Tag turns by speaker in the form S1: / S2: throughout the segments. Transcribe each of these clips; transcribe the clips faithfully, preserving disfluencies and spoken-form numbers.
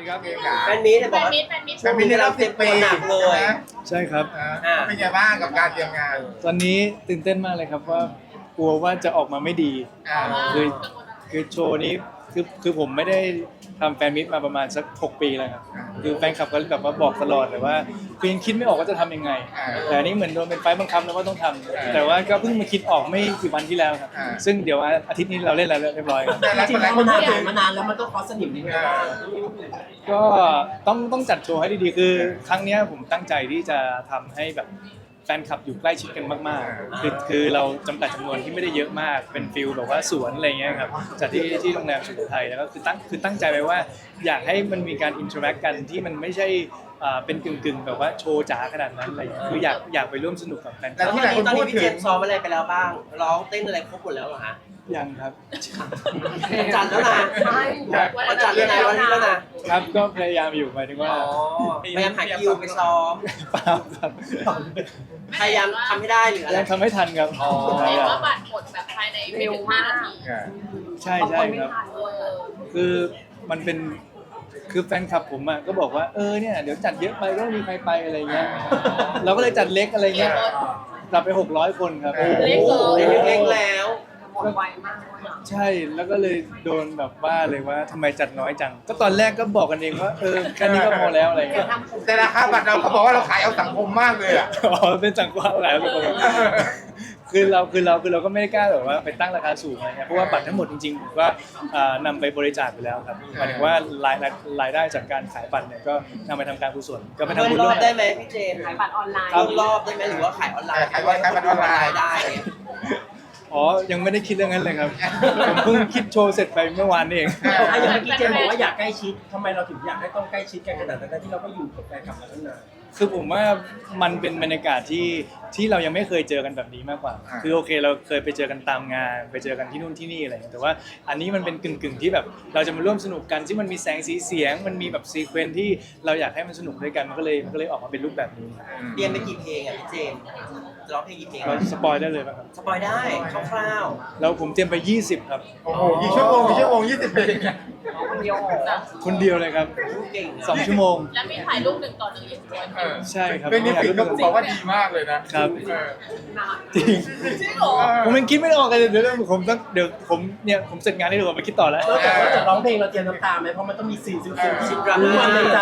S1: นี่ครับเองค่ะ
S2: แฟนมีตบอก
S3: แฟน
S2: ว่า
S3: มิตรแฟนมิตร
S2: ช่วงนี้เราเตรียมตัวหนักเลย
S1: ใช่ครับ
S2: อ่า
S4: เป็นไงบ้างกับการเตรียมงาน
S1: ตอนนี้ตื่นเต้นมากเลยครับว่ากลัวว่าจะออกมาไม่ดี
S4: อ่า
S1: คือคือโชว์นี้คือคือผมไม่ได้ทำแฟนมิตมาประมาณสักหกปีแล้วครับคือแฟนคลับก็แบบว่าบอกตลอดเลยว่าคือยังคิดไม่ออกว่าจะทำยังไง แต่อันนี้เหมือนโดนเป็นไฟบังคับแล้วว่าต้องทำแต่ว่าก็เพิ่งมาคิดออกไม่กี่วันที่แล้วครับซึ่งเดี๋ยวอาทิตย์นี้เราเล่นแล้วเรียบร้อยครับ
S4: แต่ละ
S5: จริง
S4: แต่
S5: ๆ
S4: ละ
S5: แล้ว
S4: คน
S5: มัน
S4: พู
S5: นาน
S4: ดถึง
S5: มานานแล้วมันต้องคอสนิมนิดนึงว่า
S1: ก็ต้องต้องจัดโชว์ให้ดีๆ คือครั้งเนี้ยผมตั้งใจที่จะทำให้แบบแฟนคลับอยู่ใกล้ชิดกันมากๆ คือคือเราจำกัดจำนวนที่ไม่ได้เยอะมาก เป็นฟิลแบบว่าสวนอะไรเงี้ยครับจัดที่ที่โรงแรมสุโขทัยแล้วก็คือตั้งคือตั้งใจไว้ว่าอยากให้มันมีการอินเทอร์แอคกันที่มันไม่ใช่อ่าเป็นกึ่งๆแบบว่าโชว์จ๋าขนาดนั้นอะไรเงี้ยคืออยากอยากไปร่วมสนุกกับแฟนค
S2: แล้
S1: ลั
S2: ว
S1: บ
S2: ตอนนี้ตอนนี้พี่เจมส์ซ้อมอะไรไปแล้วบ้างร้องเต้นอะไรครบหมดแล้วเหรอฮะ
S1: ยังครับ
S2: วันจันทร์แล้วนะวันจันทร์แล้วนะวันนี้แล้วนะครับ
S1: ก็พยายามอยู่หมายถึงว่า
S2: อ๋อพยายามหาคิวไปซ้อม
S1: เปล่าครับ
S2: พยายามทำให้ได้หรืออะไร
S1: ยังทำไม่ทันครับ
S2: อ๋อ
S3: เห็นว่าบัตรหมดแบบภายในไม่ถึงห้านาที
S1: ใช่ใช่ครับ
S3: เออ
S1: คือมันเป็นคือแฟนคลับผมอ่ะก็บอกว่าเออเนี่ยเดี๋ยวจัดเยอะไปก็ไม่มีใครไปอะไรเงี้ยเราก็เลยจัดเล็กอะไรเงี้ยจัดไปหกร้อยคนครับ
S3: เล็กเลย
S2: เล็กๆแล้ว
S1: ใช่แล้วก็เลยโดนแบบว่าเลยว่าทำไมจัดน้อยจัง ก็ตอนแรกก็บอกกันเองว่าเออแค่นี้ก็พอแล้วอะไรเงี้ย
S4: แต่ราคาบัตรเราเขาบอกว่าเราขายเอาสังคมมากเลยอ่ะ
S1: อ๋อเป็นสังกัดหลายคนคือเราคือเราคือเราก็ไม่ได้กล้าแบบว่าไปตั้งราคาสูงอะไรเงี้ยเพราะว่าบัตรทั้งหมดจริงๆผมก็อ่านำไปบริจาคไปแล้วครับหมายถึงว่ารายรายได้จากการขายบัตรเนี่ยก็นำไปทำการกุศลก็ไป
S2: เพิ่
S1: ทำ
S2: ม
S1: บุญ
S2: ร
S1: ร่
S2: อ
S1: ว
S2: บ
S1: ม
S2: ได้
S1: กัน
S2: ไหมพี่เจมส์
S6: ขายบัตรออนไลน์
S2: เพิ่มรอบได้ไหมหรือว่าขายออนไลน์
S4: ขายขายบัตรออนไลน์
S2: ได้
S1: อ๋อยังไม่ได้คิดเรื่องนั้นเลยครับผมเพิ่งคิดโชว์เสร็จไปเมื่อวานนี่เอง
S5: ถ้าอย่างเมื่อกี้เจมส์บอกว่าอยากใกล้ชิดทำไมเราถึงอยากให้ต้องใกล้ชิดกันขนาดนั้นที่เราก็อยู่กับแฟนคลับมาตั้งนาน
S1: คือผมว่ามันเป็นบรรยากาศที่ที่เรายังไม่เคยเจอกันแบบนี้มากกว่า
S4: อ่า
S1: คือโอเคเราเคยไปเจอกันตามงาน ไปเจอกันที่นู่นที่นี่อะไรอย่างเงี้ยแต่ว่าอันนี้มันเป็นกึ่งๆที่แบบเราจะมาร่วมสนุกกันที่มันมีแสงสีเสียง มันมีแบบซีเควนซ์ที่เราอยากให้มันสนุกด้วยกันมันก็เลยมันก็เลยออกมาเป็นรูปแบบนี้ครับ
S2: เรียนไปกี่เพลงอ่ะพี่เจมส์จะร้องเพลงกี่เพลง
S1: เราสปอยได้เลยป่ะครับ
S2: สปอยได้คร่าว
S1: แล้วผมเตรียมไปยี่สิบครับ
S4: โอ้โหกี่ชั่วโมงกี่ชั่วโมงยี่สิบปี
S6: คนเดียว
S1: คนเดียวเลยครับ
S2: ๆรู้เก่ง
S1: สองชั่วโมง
S3: แล้วมีถ่ายรูปหนึ่งต่อหนึ่งยี่สิบคน
S4: เออ
S1: ใช่ครับ
S4: เป็นนิฟิกก็บอกว่าดีมากเลยนะครับ เออ
S1: จริง
S3: จริงเหรอ
S1: ผมยังคิดไม่ออกเลยเดี๋ยวผมต้องเดี๋ยวผมเนี่ยผมเสร็จงานนี่เดี๋ยวผมไปคิดต่อแล้ว
S5: นอกจากว่าจะร้องเพลงเราเตรียมน้ำตาไหมเพราะมันต้องมีซีนซึ้งๆที่รู้ว่าในใจ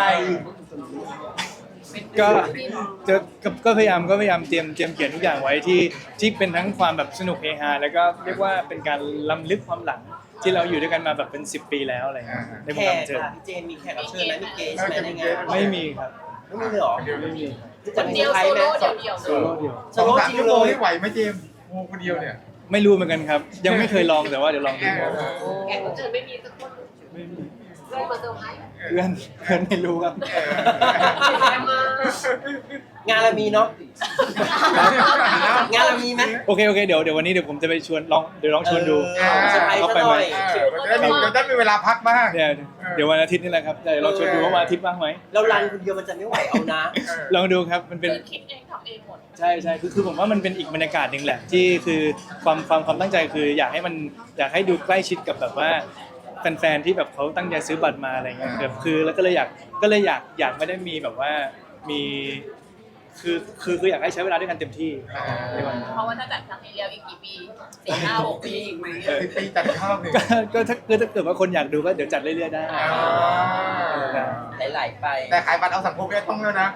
S1: ก็จะก็ก็พยายามก็พยายามเตรียมเตรียมเขียนทุกอย่างไว้ที่ที่เป็นทั้งความแบบสนุกเฮฮาแล้วก็เรียกว่าเป็นการล้ำลึกความหลังที่เราอยู่ด้วยกันมาแบบเป็นสิบปีแล้วอะไรเงี้ยในว
S2: แข
S1: งการ
S2: ก
S1: บันเทิง
S2: ค่ะพี่เจมส์มีแขกรับเชิญไหมมีเกสไหมในงาน
S1: ไม่มีครับ
S2: ไม่มีเลยเหรอ
S1: ไม่มี
S2: จะ
S3: คน
S2: มี
S3: เดียว
S2: ใคร
S3: โซ
S2: ไหม
S3: โล่เดี่ยวๆ
S1: โซโล่เดียว
S2: โซ
S4: สอง
S2: โล่
S4: สาม
S2: จริง
S4: ชั่ว
S2: เล
S4: โมง
S2: ย
S4: นี่ไหวไหมเจมส์โอ้โหคนเดียวเนี่ย
S1: ไม่รู้เหมือนกันครับ ยังไม่เคยลองแต่ว่าเดี๋ยวลองดู
S4: เออ
S6: แขกรับเชิญไม่มีสักคน
S1: ไม่มี
S6: เพื่อนมาเซอร์ไพรส์
S1: เพื่อนเพื่อนไม่รู้ครับ
S4: เออ
S6: แขกมาง
S2: านเรามีเนาะงานเรามีไหม
S1: โอเคโอเคเดี๋ยวเดี๋ยววันนี้เดี๋ยวผมจะไปชวนลองเดี๋ยวลองชวนดู
S2: เออเซอร์ไพรส์
S1: เขา
S2: ซะ
S1: ไป
S2: ห
S1: ไหม
S2: น่อย
S4: เออมันจะได้มีมันจะได้มีเวลาพักบ้าง
S1: เนี่ยเดี๋ยววันอาทิตย์นี่แหละครับเดี๋ยวลองชวนดูว่าวันอาทิตย์ว่างไหม
S2: เรารันคนเดียวมันจะไม่ไหวเอานะ
S4: เออ
S1: ลองดูครับมันเป็น
S3: คือคิดเองทำเองหมด
S1: ใช่ใช่คือคือผมว่ามันเป็นอีกบรรยากาศหนึ่งแหละที่คือความความความตั้งใจคืออยากให้มันอยากให้ดูใกล้ชิดกับแบบว่าแฟนๆที่แบบเขาตั้งใจซื้อบัตรมาอะไรเงี้ยแบบคือแล้วก็เลยอยากก็เลยอยากอยากไม่ได้มีแบบว่ามีคือคือคืออยากให้ใช้เวลาด้วยกันเต็มที่ในวันนั้น
S3: เพราะว่าถ้าจัดครั้งนี้แล้วอีกกี่ปีสี่ห้าหกปี
S6: อีกไหม
S4: สิบปีจัดข้าวหนึ่ง
S1: ก็ก็ถ้าคือถ้าเกิดว่าคนอยากดูก็เดี๋ยวจัดเรื่อยๆได้
S4: อ่า
S2: ไหลๆไป
S4: แต่ขายบัตรเอาสังคมไม่ต้องแล้วนะ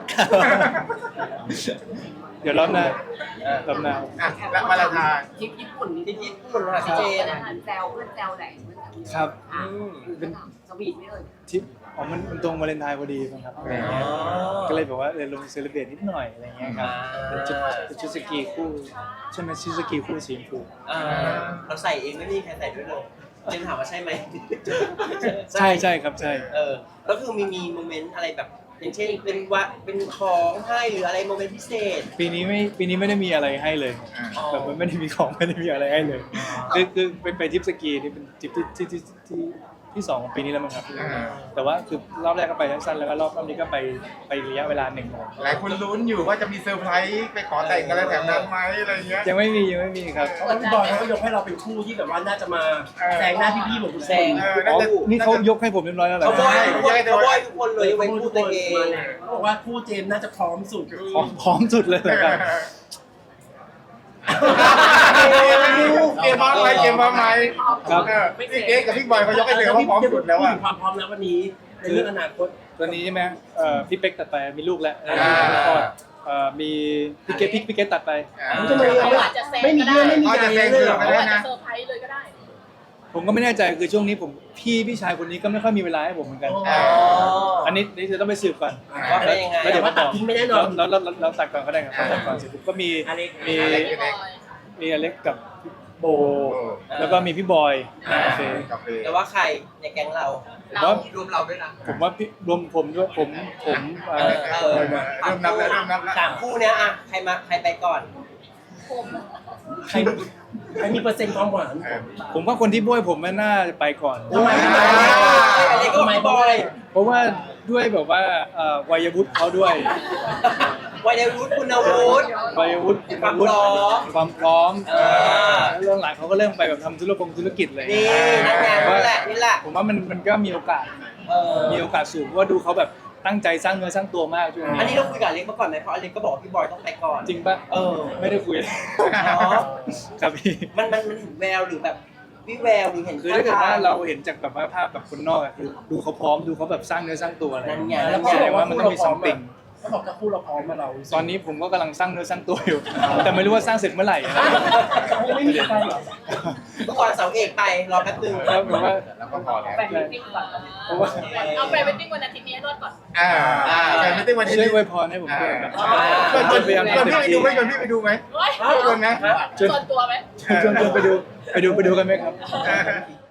S1: เดี๋ยวรอบหน้า
S2: เออ
S1: รอบหน้า
S4: อ่ะแล้วมาลาทาน
S6: ทริปญี่ปุ่นนี่
S2: ที่ญี่ปุ่นค่ะพี่เจมส์
S6: แซวเพื่อนแซวไหนเพื่อน
S1: ครับ
S6: อ่ะเป็นสวีทไม่เอ่ย
S1: ที่อ๋อมันมันตรงวาเลนไทน์พอดีมั้งครับอะไรเงี้ยก็เลยแบบว่าเลยลงเซเลบเรตนิดหน่อยอะไรเงี้ยครับเป็นชุดเป็นชุดสกีคู่ใช่ไหมชุดสกีคู่สีชมพู
S2: อ่าเราใส่เองไม่มีใครใส่ด้วยเลยเจมส์ถามว่าใช่ไหม
S1: ใช่ใช่ครับใช่
S2: เออแล้วคือมีมีโมเมนต์อะไรแบบอย่างเช่นเป็นวะเป็นของให้หรืออะไรโมเมนต์พิเศษ
S1: ปีนี้ไม่ปีนี้ไม่ได้มีอะไรให้เลย
S2: อ๋อ
S1: แบบมันไม่ได้มีของไม่ได้มีอะไรให้เลยคือคือไปไปทริปสกีนี่เป็นทริปที่ที่ที่ที่ที่สองของปีนี้แล้วมั้งครับ
S4: อ่า
S1: แต่ว่าคือรอบแรกก็ไปสั้นๆแล้วก็รอบรอบนี้ก็ไปไประยะเวลาหนึ่ง
S4: หลายคนลุ้นอยู่ว่าจะมีเซอร์ไพรส์ไปขอแต่งกันแล้วแถมนั้นไหมอะไรเงี้ย
S1: ยังไม่มียังไม่มีครับ
S5: เพราะว่าพี่บอยเขาก็ยกให้เราเป็นคู่ที่แบบว่าน่าจะมาแซงหน้าพี่ๆเหมือนคุณแซง
S4: เออ
S1: อ๋
S4: น่า
S1: อ
S4: จะ
S1: นี่เขายกให้ผมเรียบร้อยแล้วเหรอ
S2: เขาบอยทุกคนเขาบอยทุกคนเลยยกเว้นพูดตัวเอง
S5: เขาบอกว่าคู่เจมส์น่าจะพร้อมสุด
S1: พร้อมพร้อมสุดเลยเหรอครับ
S4: เกมพร้อมไหมเกมพร้อมไหม
S1: ครับ
S4: เออพี่เก๊กับพี่บอยเขายกให้เลยว่าพร้อมสุดแล้วอ่ะ
S5: ความพร้อมแล้ววันนี้ในเรื่องอนาคต
S1: ตอนนี้ใช่ไหมเอ่อพี่เป๊กตัดไปมีลูกแล้ว
S4: อ่า
S1: แล้วก็เอ่อมีพี่เกตพี่พี่เกตตัดไป
S5: ทำไม
S3: เขาอาจจะแซง
S5: ไม่มี
S3: ก็
S5: เรื่อง
S3: ได้
S5: ไม่มีใจเลยเหรอ
S3: เขาอาจจะเซอร์ไพรส์เลยก็ได้
S1: ผมก็ไม่แน่ใจคือช่วงนี้ผมพี่พี่ชายคนนี้ก็ไม่ค่อยมีเวลาให้ผมเหมือนกัน
S4: อ๋อ
S1: อันนี้นี่จะต้องไปสืบก่อน
S2: ว่าเป็นยังไง
S1: แล้วเดี๋ยว
S5: ว่า
S1: มา
S5: ตั
S1: บ
S5: ด
S1: อก
S5: ทิ้งไม่แน่นอน
S1: แล้วแล้วแล้วแล้วตัดก่อนก็ได้ครับตัดก่อนเสร็จปุ๊บก็มี
S5: อเล็ก
S1: มี
S4: อเล็ก
S3: พี่บอย
S1: มีอเล็กกับโบ
S4: โอ้
S1: แล้วก็มีพี่บอย
S5: อ่า
S1: โอเค
S4: กาแฟ
S2: แต่ว่าใครในแก๊งเรา
S1: ผมว่า
S2: รวมเราด้วยนะ
S1: ผมว่าพี่รวมผมด้วยผมผมเอ่อ
S2: เออ
S4: เริ่มนับแล้วเริ่มนับแล้ว
S2: สามคู่เนี้ยอะใครมาใครไปก่อน
S3: ผม
S5: ใครใครมีเปอร์เซ็นต์ความหวาน
S4: เออ
S1: ผมว่าคนที่บ้วยผมน่าจะไปก่อน
S5: ทำไม
S2: อะไรก็ไม่บอย
S1: เพราะว่าด้วยแบบว่าเอ่อวัยวุฒิเขาด้วย
S2: วัยวุฒิคุณวุฒิ
S1: วัยวุฒิ
S2: ความพร้อม
S1: ความพร้อม
S2: เออ
S1: แล้วเรื่องหลังเขาก็เริ่มไปแบบทำธุรกงธุรกิจเลย
S2: นี่นั่นไงนี่แหละนี่แหละ
S1: ผมว่ามันมันก็มีโอกาส
S2: เออ
S1: มีโอกาสสูงเพราะว่าดูเขาแบบตั้งใจสร้างเนื้อสร้างตัวมากช่วง
S2: อัน
S1: นี้
S2: นี้เราคุยกับอเล็กมาก่อนไหมเพราะอเล็กก็บอกว่าพี่บอยต้องไปก่อน
S1: จริงปะ
S2: เออ
S1: ไม่ได้คุย
S2: อ๋อ
S1: ครับพี่
S2: มันมันมันเห็นแววหรือแบบวิแววหรือเห็น
S1: คือถ้าเกิดว่าเราเห็นจากแบบว่าภาพแบบคนนอกอะคือดูเขาพร้อมดูเขาแบบสร้างเนื้อสร้างตัวอะไร
S2: นั่นไง
S5: แล้ว
S1: แสดงว่ามันต้องมีซัมติง
S5: เขาบอกจะคู่เราพร้อมมาเรา
S1: ตอนนี้ผมก็กำลังสร้างเนื้อสร้างตัวอยู่ แต่ไม่รู้ว่าสร้างเสร็จเมื่อไหร่
S5: ยังไม่มีใครเหรอ
S2: เมื่อก่อนเสาเอกไปรอแป๊บนึง
S1: แล้วผมว่า
S4: แล้วก็พอแล้ว
S3: ไปมิทติ้งก่อน
S1: เพราะว่า
S3: เอาไปมิทติ้งวันอาทิตย์นี้ให้รอดก่อน
S4: อ่าอ่าแต่ไม่ได้วันที่
S1: ช่วย
S4: นี้
S1: อวยพรให้ผมด้วยครับ
S4: ชวนชวน
S1: พยายาม
S4: ชวน
S1: ทำ
S4: พี่
S1: เต็ม
S4: ไปดู
S1: ที่
S4: ไหมชวนพี่ไปดูไหม
S3: เฮ้ย
S4: ชวนนะ
S3: ส่วนตัวไหม
S1: ชวนชวนไปดูไปดูไปดูกันไหมครับ
S4: เออ